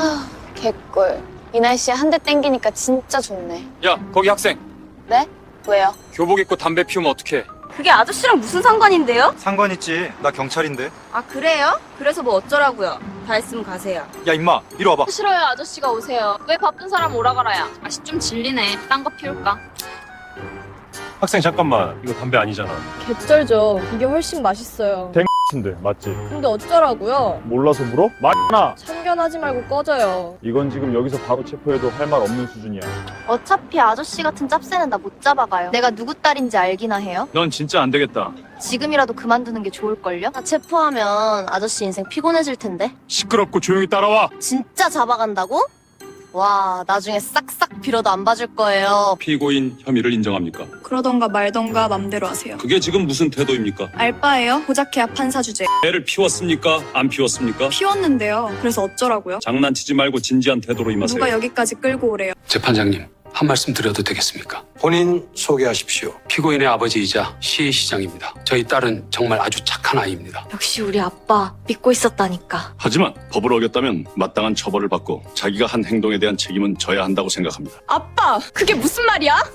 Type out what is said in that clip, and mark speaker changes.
Speaker 1: 개꿀. 이 날씨에 한 대 땡기니까 진짜 좋네.
Speaker 2: 야, 거기 학생.
Speaker 1: 네? 왜요?
Speaker 2: 교복 입고 담배 피우면 어떡해?
Speaker 3: 그게 아저씨랑 무슨 상관인데요?
Speaker 4: 상관 있지. 나 경찰인데.
Speaker 3: 아 그래요? 그래서 뭐 어쩌라고요? 다 했으면 가세요.
Speaker 4: 야 임마, 이리 와봐.
Speaker 1: 싫어요. 아저씨가 오세요. 왜 바쁜 사람 오라 가라야. 맛이 좀 질리네. 딴 거 피울까?
Speaker 5: 학생 잠깐만, 이거 담배 아니잖아.
Speaker 6: 개쩔죠. 이게 훨씬 맛있어요.
Speaker 5: 인데 맞지?
Speaker 6: 근데 어쩌라고요?
Speaker 5: 몰라서 물어? 말나.
Speaker 6: 참견하지 말고 꺼져요.
Speaker 5: 이건 지금 여기서 바로 체포해도 할 말 없는 수준이야.
Speaker 7: 어차피 아저씨 같은 짭새는 나 못 잡아가요. 내가 누구 딸인지 알기나 해요?
Speaker 5: 넌 진짜 안 되겠다.
Speaker 7: 지금이라도 그만두는 게 좋을걸요? 나 체포하면 아저씨 인생 피곤해질 텐데.
Speaker 5: 시끄럽고 조용히 따라와.
Speaker 7: 진짜 잡아간다고? 와, 나중에 싹싹 빌어도 안 봐줄 거예요.
Speaker 8: 피고인 혐의를 인정합니까?
Speaker 9: 그러던가 말던가 맘대로 하세요.
Speaker 8: 그게 지금 무슨 태도입니까?
Speaker 9: 알바예요? 고작해야 판사 주제.
Speaker 8: 애를 피웠습니까? 안 피웠습니까?
Speaker 9: 피웠는데요. 그래서 어쩌라고요?
Speaker 8: 장난치지 말고 진지한 태도로 임하세요.
Speaker 9: 누가 여기까지 끌고 오래요?
Speaker 10: 재판장님, 한 말씀 드려도 되겠습니까? 본인 소개하십시오. 피고인의 아버지이자 시의 시장입니다. 저희 딸은 정말 아주 착한 아이입니다.
Speaker 7: 역시 우리 아빠 믿고 있었다니까.
Speaker 8: 하지만 법을 어겼다면 마땅한 처벌을 받고 자기가 한 행동에 대한 책임은 져야 한다고 생각합니다.
Speaker 9: 아빠! 그게 무슨 말이야?